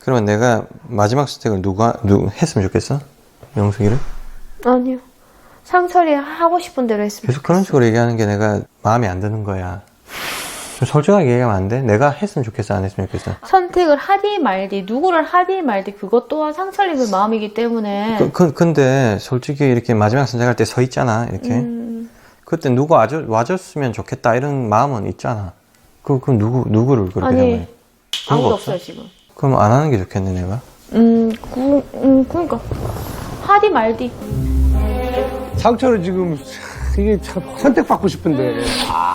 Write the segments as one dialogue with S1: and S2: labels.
S1: 그러면 내가 마지막 선택을 누구 했으면 좋겠어? 명숙이를?
S2: 아니요. 상철이 하고 싶은 대로 했으면
S1: 계속 그런 식으로 얘기하는 게 내가 마음에 안 드는 거야. 좀 솔직하게 얘기하면 안 돼? 내가 했으면 좋겠어, 안 했으면 좋겠어?
S2: 선택을 하디 말디, 누구를 하디 말디, 그것 또한 상철님의 마음이기 때문에.
S1: 근데 솔직히 이렇게 마지막 선택할 때 서 있잖아, 이렇게. 그때 누구 와줬으면 좋겠다, 이런 마음은 있잖아. 그럼 누구를 그렇게
S2: 아니,
S1: 생각해? 그런 거
S2: 아무도
S1: 없어?
S2: 없어요, 지금.
S1: 그럼 안 하는 게 좋겠네, 내가?
S2: 그러니까. 하디 말디.
S3: 상처를 지금 이게 참 선택받고 싶은데.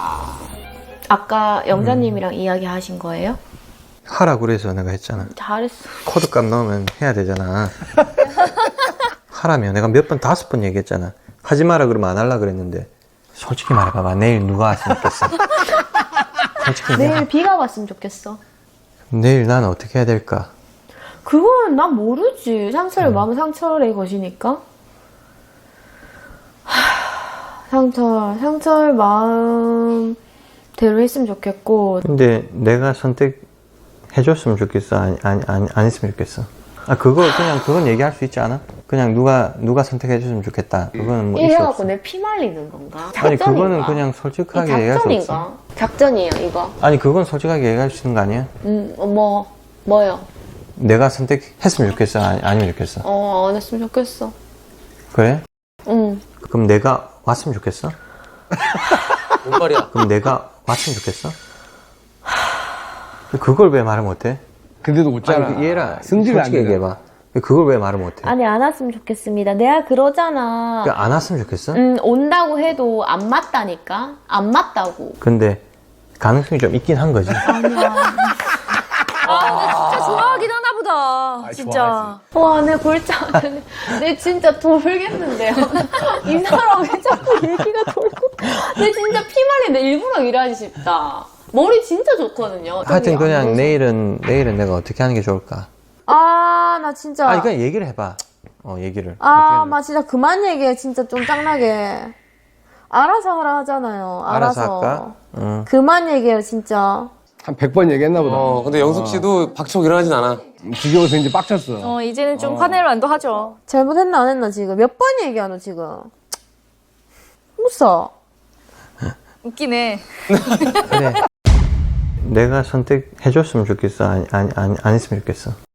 S2: 아까 영자님이랑 이야기 하신 거예요?
S1: 하라 그래서 내가 했잖아.
S2: 잘했어.
S1: 코드값 넣으면 해야 되잖아. 하라며. 내가 몇 번, 5번 얘기했잖아. 하지 마라 그러면 안 할라 그랬는데. 솔직히 말해봐봐. 내일 누가 왔으면 좋겠어? 솔직히
S2: 내일 비가 왔으면 좋겠어.
S1: 내일 나는 어떻게 해야 될까?
S2: 그건 난 모르지. 상철의 마음은 상철의 것이니까. 상철 마음대로 했으면 좋겠고.
S1: 근데 내가 선택해줬으면 좋겠어? 안 했으면 좋겠어? 그건 얘기할 수 있지 않아? 그냥 누가 선택해줬으면 좋겠다. 그거는 뭐 이슈
S2: 이래갖고
S1: 없어.
S2: 내 피 말리는 건가?
S1: 아니,
S2: 작전인가?
S1: 그거는 그냥 솔직하게 얘기할 수 없어.
S2: 작전인가? 작전이에요, 이거.
S1: 아니, 그건 솔직하게 얘기할 수 있는 거 아니야?
S2: 뭐요?
S1: 내가 선택했으면 좋겠어? 아니면 좋겠어?
S2: 안 했으면 좋겠어.
S1: 그래?
S2: 응.
S1: 그럼 내가 왔으면 좋겠어?
S4: 뭔 말이야?
S1: 그럼 내가 왔으면 좋겠어? 그걸 왜 말을 못해?
S3: 근데도 웃잖아.
S1: 아니, 얘라
S3: 승질이 안
S1: 솔직히
S3: 돼.
S1: 얘기해봐. 그걸 왜 말을 못해?
S2: 아니, 안 왔으면 좋겠습니다. 내가 그러잖아.
S1: 안 왔으면 좋겠어?
S2: 온다고 해도 안 맞다니까? 안 맞다고.
S1: 근데 가능성이 좀 있긴 한 거지.
S2: 아니야.
S5: 진짜 좋아하긴 하나 보다. 진짜.
S2: 와, 내 골짜. 내 진짜 돌겠는데요. 이 사람 왜 자꾸 얘기가 돌고. 내 진짜 피말린데 일부러 일하지 싶다. 머리 진짜 좋거든요.
S1: 하여튼
S2: 안
S1: 그냥
S2: 보여서.
S1: 내일은 내가 어떻게 하는 게 좋을까?
S2: 나 진짜.
S1: 아니 그냥 얘기를 해봐. 얘기를.
S2: 나 진짜 그만 얘기해. 진짜 좀 짱나게. 알아서 하라 하잖아요.
S1: 알아서 할까? 응.
S2: 그만 얘기해요, 진짜.
S3: 한 100번 얘기했나 보다.
S4: 근데 영숙 씨도 박치고 일어나진 않아.
S3: 지겨워서 이제 빡쳤어.
S5: 이제는 좀 화낼 만도 하죠.
S2: 잘못했나 안 했나 지금? 몇 번 얘기하노 지금? 웃어.
S5: 웃기네.
S1: 그래. 내가 선택해줬으면 좋겠어? 안 했으면 좋겠어?